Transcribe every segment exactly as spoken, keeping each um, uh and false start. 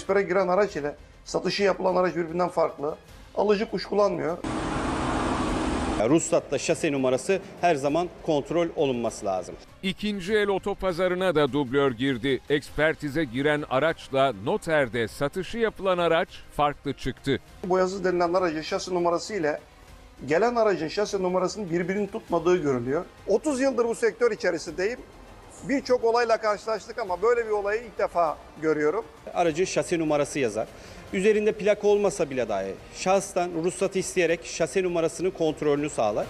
sektöre giren araç ile satışı yapılan araç birbirinden farklı. Alıcı kuşkulanmıyor. Ruhsatta şase numarası her zaman kontrol olunması lazım. İkinci el otopazarına da dublör girdi. Ekspertize giren araçla noterde satışı yapılan araç farklı çıktı. Boyasız denilen aracın şase numarası ile gelen aracın şase numarasının birbirini tutmadığı görülüyor. otuz yıldır bu sektör içerisindeyim. Birçok olayla karşılaştık ama böyle bir olayı ilk defa görüyorum. Aracın şase numarası yazar. Üzerinde plaka olmasa bile dahi şahıstan ruhsatı isteyerek şase numarasının kontrolünü sağlar.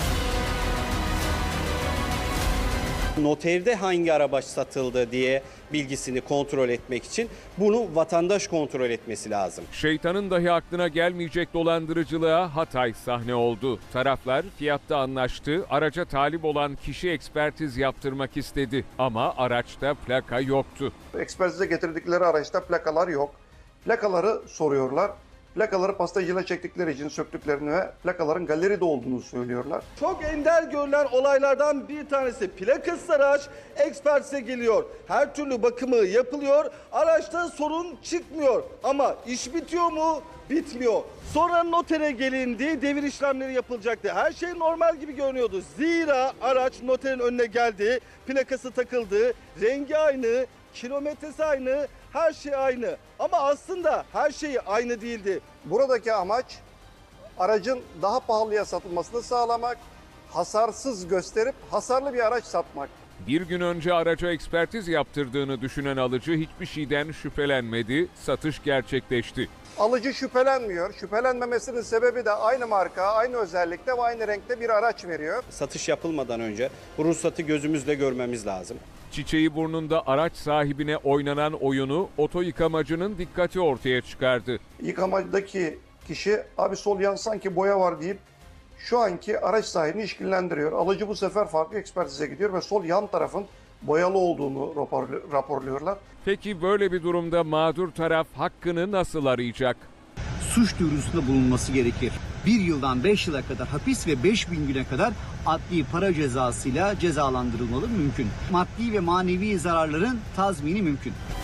Noterde hangi araç satıldı diye bilgisini kontrol etmek için bunu vatandaş kontrol etmesi lazım. Şeytanın dahi aklına gelmeyecek dolandırıcılığa Hatay sahne oldu. Taraflar fiyatta anlaştı, araca talip olan kişi ekspertiz yaptırmak istedi ama araçta plaka yoktu. Ekspertize getirdikleri araçta plakalar yok. Plakaları soruyorlar. Plakaları pastacıyla çektikleri için söktüklerini ve plakaların galeride olduğunu söylüyorlar. Çok ender görülen olaylardan bir tanesi plakasız araç ekspertize geliyor. Her türlü bakımı yapılıyor. Araçta sorun çıkmıyor. Ama iş bitiyor mu? Bitmiyor. Sonra notere gelindi, devir işlemleri yapılacaktı. Her şey normal gibi görünüyordu. Zira araç noterin önüne geldi, plakası takıldı, rengi aynı, kilometresi aynı, her şey aynı. Ama aslında her şey aynı değildi. Buradaki amaç aracın daha pahalıya satılmasını sağlamak, hasarsız gösterip hasarlı bir araç satmak. Bir gün önce araca ekspertiz yaptırdığını düşünen alıcı hiçbir şeyden şüphelenmedi, satış gerçekleşti. Alıcı şüphelenmiyor. Şüphelenmemesinin sebebi de aynı marka, aynı özellikte ve aynı renkte bir araç veriyor. Satış yapılmadan önce bu ruhsatı gözümüzle görmemiz lazım. Çiçeği burnunda araç sahibine oynanan oyunu oto yıkamacının dikkati ortaya çıkardı. Yıkamadaki kişi abi sol yan sanki boya var deyip şu anki araç sahibini işkillendiriyor. Alıcı bu sefer farklı ekspertize gidiyor ve sol yan tarafın boyalı olduğunu rapor- raporluyorlar. Peki böyle bir durumda mağdur taraf hakkını nasıl arayacak? Suç duyurusunda bulunması gerekir. Bir yıldan beş yıla kadar hapis ve beş bin güne kadar adli para cezasıyla cezalandırılmalı mümkün. Maddi ve manevi zararların tazmini mümkün.